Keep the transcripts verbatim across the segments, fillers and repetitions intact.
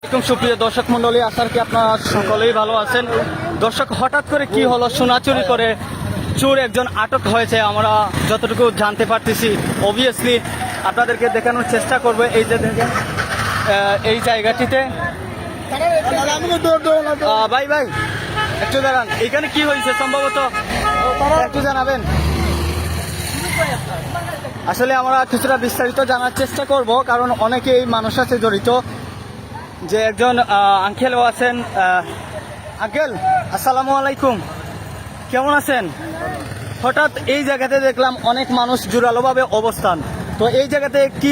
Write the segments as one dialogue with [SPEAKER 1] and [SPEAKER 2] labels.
[SPEAKER 1] এরকম সুপ্রিয় দর্শক মন্ডলী, আশা কি আপনারা সকলেই ভালো আছেন। দর্শক, হঠাৎ করে কি হলো, সোনা চুরি করে চোর একজন আটক হয়েছে আমরা যতটুকু জানতে পারতেছি। অবভিয়াসলি আপনাদেরকে দেখানোর চেষ্টা করবো। এই যে দেখেন এই জায়গাটিতে ভাই ভাই একটু দাঁড়ান, এখানে কি হয়েছে সম্ভবত একটু জানাবেন। আসলে আমরা কিছুটা বিস্তারিত জানার চেষ্টা করব, কারণ অনেকেই মানুষ আছে জড়িত। যে একজন আঙ্কেলও আছেন। আঙ্কেল আসসালামু আলাইকুম, কেমন আছেন? হঠাৎ এই জায়গাতে দেখলাম অনেক মানুষ জোরালোভাবে অবস্থান, তো এই জায়গাতে কি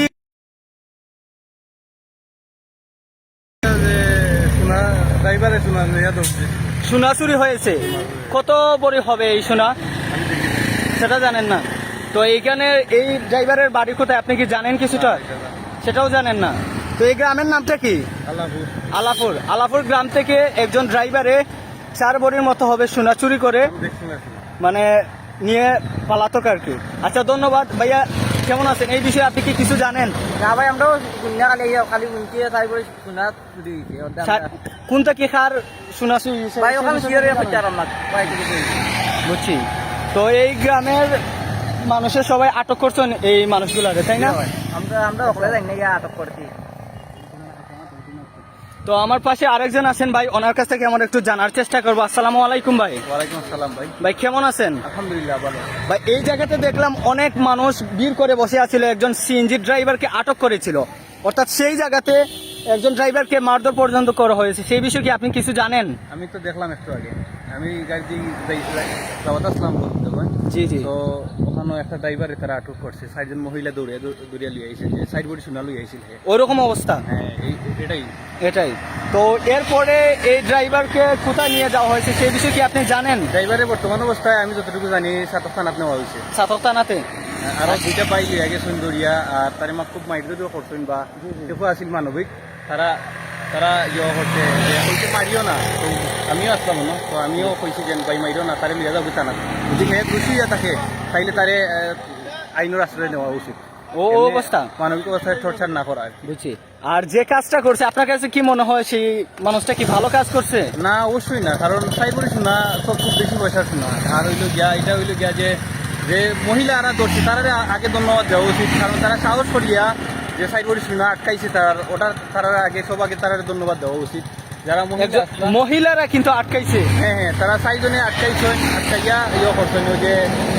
[SPEAKER 1] সোনা চুরি হয়েছে? কত বড়ি হবে এই সোনা সেটা জানেন না? তো এইখানে এই ড্রাইভারের বাড়ি কোথায় আপনি কি জানেন কিছুটা? সেটাও জানেন না। তো এই গ্রামের নামটা কি? আলাপুর। আলাপুর আলাপুর গ্রাম থেকে একজন ড্রাইভারে চার বড়ির মতো হবে সোনা চুরি করে মানে নিয়ে পালাতক আর কি। আচ্ছা, ধন্যবাদ ভাইয়া। কেমন আছেন? এই বিষয়ে আপনি কি কিছু জানেন?
[SPEAKER 2] না ভাই, আমরাও খালি
[SPEAKER 1] কোনটা কি খার সোনা চুরি
[SPEAKER 2] ভাই ওখানে
[SPEAKER 1] বুঝছি। তো এই গ্রামের মানুষের সবাই আটক করছেন এই মানুষগুলারে, তাই না?
[SPEAKER 2] আমরা আমরা ওখানে যাই না, আটক করছি।
[SPEAKER 1] তো আমার পাশে আরেকজন আছেন ভাই, ওনার কাছ থেকে আমরা একটু জানার চেষ্টা করবো। আসসালামু আলাইকুম ভাই।
[SPEAKER 2] ওয়ালাইকুম আসসালাম ভাই।
[SPEAKER 1] ভাই কেমন আছেন?
[SPEAKER 2] আলহামদুলিল্লাহ ভালো।
[SPEAKER 1] ভাই এই জায়গাতে দেখলাম অনেক মানুষ ভিড় করে বসে আছিল, একজন সিএনজি ড্রাইভারকে আটক করেছিল, অর্থাৎ সেই জায়গাতে একজন ড্রাইভারকে মারধর পর্যন্ত করা হয়েছে। সেই বিষয়ে কি আপনি কিছু জানেন?
[SPEAKER 2] আমি তো দেখলাম একটু আগে, আমি গাড়ি আসলাম
[SPEAKER 1] জি জি।
[SPEAKER 2] তো ওখানে একটা ড্রাইভারে তারা আটক করছে, চারজন মহিলা দৌড়ে দৌড়িয়া লিয়ে আইছে, যে সাইড বডি শোনা লুই আইছিল।
[SPEAKER 1] ওইরকম অবস্থা?
[SPEAKER 2] হ্যাঁ এটাই
[SPEAKER 1] এটাই। তো এরপরে এই ড্রাইভারকে কোথায় নিয়ে যাওয়া হয়েছে সেই বিষয়ে কি আপনি জানেন?
[SPEAKER 2] ড্রাইভারের বর্তমান অবস্থায় আমি যতটুকু জানি সাতক থানাত নেওয়া হয়েছে।
[SPEAKER 1] সাতক থানাতে?
[SPEAKER 2] আর দুইটা পাই লিয়ে গেছেন দৌড়িয়া, আর তারে মা খুব মাইরও করছেন বা দেখো আসিল মানবিক, তারা তারা ইয়ে করছে কইতে মারিও না। তো আমিও আসলাম না, তো আমিও কইছি যে ভাই মারিও না, তারে লিয়ে যাবো থানা। যদি সে খুশি থাকে তাইলে তারে আইনের আশ্রয় নেওয়া উচিত।
[SPEAKER 1] ও অবস্থা
[SPEAKER 2] মানবিক অবস্থায় টর্চার না করা আর কি।
[SPEAKER 1] বুঝছি। আর যে কাজটা করছে আপনার কাছে কি মনে হয়, সেই মানুষটা কি ভালো কাজ করছে?
[SPEAKER 2] না, অবশ্যই না, কারণ সাই বলি শোনা তো খুব বেশি পয়সা শোনা। আর হইলো গিয়া এটা হইলো গিয়া যে যে মহিলারা ধরছে তারা আগে ধন্যবাদ দেওয়া উচিত, কারণ তারা সাহস করিয়া যে সাইড বডি শোনা আটকাইছে তার ওটা তারা আগে সব আগে তারা ধন্যবাদ দেওয়া উচিত। যারা
[SPEAKER 1] মহিলারা কিন্তু আটকাইছে,
[SPEAKER 2] হ্যাঁ হ্যাঁ তারা চারজনে আটকাইছেন, আটকাইয়া ইয়ে করছেন যে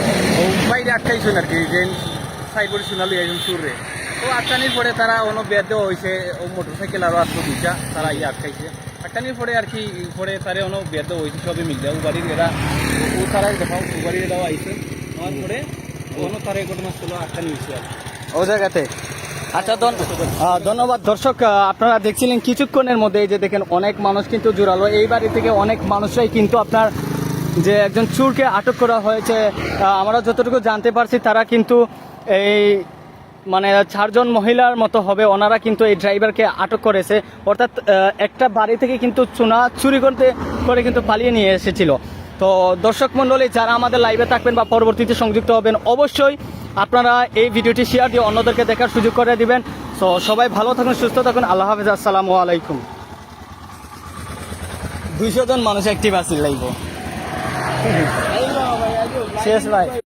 [SPEAKER 2] বাইরে আটকাইছেন আর কি, যে সাইড বডি শোনালি একজন চুরে। তো আটকানির পরে তারা অন্য বেদ দেওয়া হয়েছে, ও মোটর সাইকেল আরও আসলো দুইটা, তারা ইয়ে আটকাইছে। আটকানির পরে আর কি পরে তারা অন্য বেদ দেওয়া হয়েছে, সবই মিল যায়। ও বাড়ির এরা ও তারাই দেখাও ও বাড়ির এরাও আইছে, আমার পরে অন্য তারা ঘটনাস্থল আটকানি হয়েছে আর
[SPEAKER 1] ও জায়গাতে। আচ্ছা ধন্যবাদ। দর্শক, আপনারা দেখছিলেন কিছুক্ষণের মধ্যে এই যে দেখেন অনেক মানুষ কিন্তু জোরালো, এই বাড়ি থেকে অনেক মানুষরাই কিন্তু আপনার যে একজন চোরকে আটক করা হয়েছে। আমরা যতটুকু জানতে পারছি তারা কিন্তু এই মানে চারজন মহিলার মতো হবে, ওনারা কিন্তু এই ড্রাইভারকে আটক করেছে। অর্থাৎ একটা বাড়ি থেকে কিন্তু সোনা চুরি করতে করে কিন্তু পালিয়ে নিয়ে এসেছিল। তো দর্শক মণ্ডলী, যারা আমাদের লাইভে থাকবেন বা পরবর্তীতে সংযুক্ত হবেন, অবশ্যই আপনারা এই ভিডিওটি শেয়ার দিয়ে অন্যদেরকে দেখার সুযোগ করে দিবেন। তো সবাই ভালো থাকুন, সুস্থ থাকুন। আল্লাহ হাফেজ, আসসালামু আলাইকুম। দুইশো জন মানুষ অ্যাক্টিভ আছে লাইভ শেষ ভাই।